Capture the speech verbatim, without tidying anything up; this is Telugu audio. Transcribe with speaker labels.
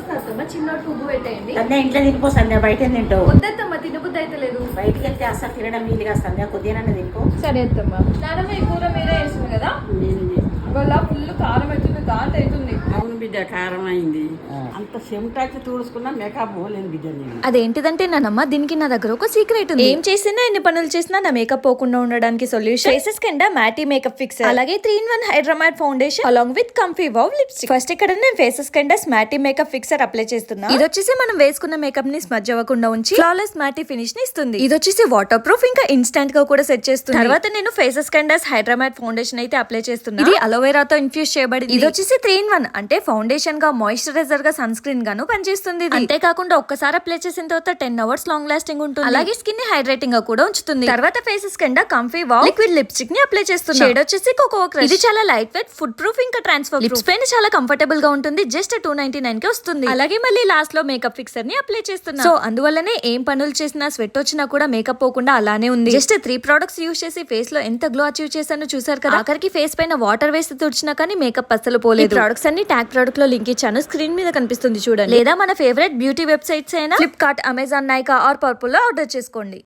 Speaker 1: అత్తమ్మ చిన్న పువ్వు పెట్టేయండి.
Speaker 2: సంధ్య ఇంట్లో తినిపో సంధ్య, బయట తింటావు.
Speaker 1: వద్దత్తమ్మ తినబుద్ధి అయితే లేదు.
Speaker 2: బయటికి వెళ్తే అసలు తినడం వీలుగా సంధ్య, కొద్దిగా తినిపో.
Speaker 1: సరే అత్తమ్మ. నానమ్మ ఈ కూర మీరే వేసింది కదా, ఇవాళ ఫుల్ కారం అవుతుంది, ఘాట్ అవుతుంది.
Speaker 3: అవును బిడ్డ, కారం అయింది. అంత చెమటాచి తుడుచుకున్నా మేకప్ పోలేదు బిడ్డ. నేను
Speaker 1: అదేంటిదంటే నానమ్మ, దీనికి నా దగ్గర ఒక సీక్రెట్ ఉంది. ఏం చేసినా ఎన్ని పనులు చేసినా నా మేకప్ పోకుండా ఉండడానికి సొల్యూషన్ ఫేసెస్ కింద మ్యాటీ మేకప్ ఫిక్సర్, అలాగే three in one hydramatte foundation along with comfy wow lipstick. First ఇక్కడ నేను ఫేసెస్ కింద మ్యాటీ మేకప్ ఫిక్సర్ అప్లై చేస్తున్నా. ఇది వచ్చేసి మనం వేసుకున్న మేకప్ ని స్మజ్ అవ్వకుండా ఉంచి ఫ్లాలెస్ మ్యాటీ ఫినిష్ ని ఇస్తుంది. ఇది వచ్చేసి వాటర్ ప్రూఫ్, ఇంకా ఇన్స్టెంట్ గా కూడా సెట్ చేస్తుంది. తర్వాత నేను ఫేసెస్ కింద హైడ్రామాట్ ఫౌండేషన్ అయితే అప్లై చేస్తున్నా. ఇది అలోవెరాతో ఇన్ఫ్యూజ్ చేయబడింది. ఇది వచ్చేసి త్రీ ఇన్ వన్ అంటే ఫౌండేషన్ గా, మాయిశ్చరైజర్ గా, సన్ స్క్రీన్ గాను పనిచేస్తుంది. అంతేకాకుండా ఒక్కసారి అప్లై చేసిన తర్వాత టెన్ అవర్స్ లాంగ్ లాస్టింగ్ ఉంటుంది. అలాగే స్కిన్ ని హైడ్రేటింగ్ గా కూడా ఉంచుతుంది. తర్వాత ఫేసెస్ కింద కంఫీ వావ్ లిక్విడ్ లిప్స్టిక్ ని అప్లై చేస్తున్నా. షేడ్ వచ్చేసి కోకో క్రష్. ఇది చాలా లైట్ వెయిట్, ఫుడ్ ప్రూఫ్, ఇంకా ట్రాన్స్ఫర్ లిప్స్ పైన చాలా కంఫర్టబుల్ గా ఉంటుంది. జస్ట్ టూ నైన్టీ నైన్ కి వస్తుంది. అలాగే మళ్ళీ లాస్ట్ లో మేకప్ ఫిక్సర్ ని అప్లై చేస్తున్నా. సో అందువల్లనే ఏం పనులు చేసినా, స్వెట్ వచ్చినా కూడా మేకప్ పోకుండా అలానే ఉంది. జస్ట్ త్రీ ప్రొడక్ట్స్ యూజ్ చేసి ఫేస్ లో ఎంత గ్లో అచీవ్ చేశానో చూసారు కదా. ఆఖరికి ఫేస్ పైన వాటర్ వేసి తుడిచినా కానీ మేకప్ అస్సలు పోలేదు. ప్రొడక్ట్స్ అన్ని ట్యాగ్ ప్రొడక్ట్ లో లింక్ ఇచ్చాను, స్క్రీన్ మీద కనిపిస్తుంది చూడండి. లేదా మన ఫేవరెట్ బ్యూటీ వెబ్సైట్స్ అయినా ఫ్లిప్కార్ట్, అమెజాన్, నైకా ఆర్ పర్పుల్ లో ఆర్డర్ చేసుకోండి.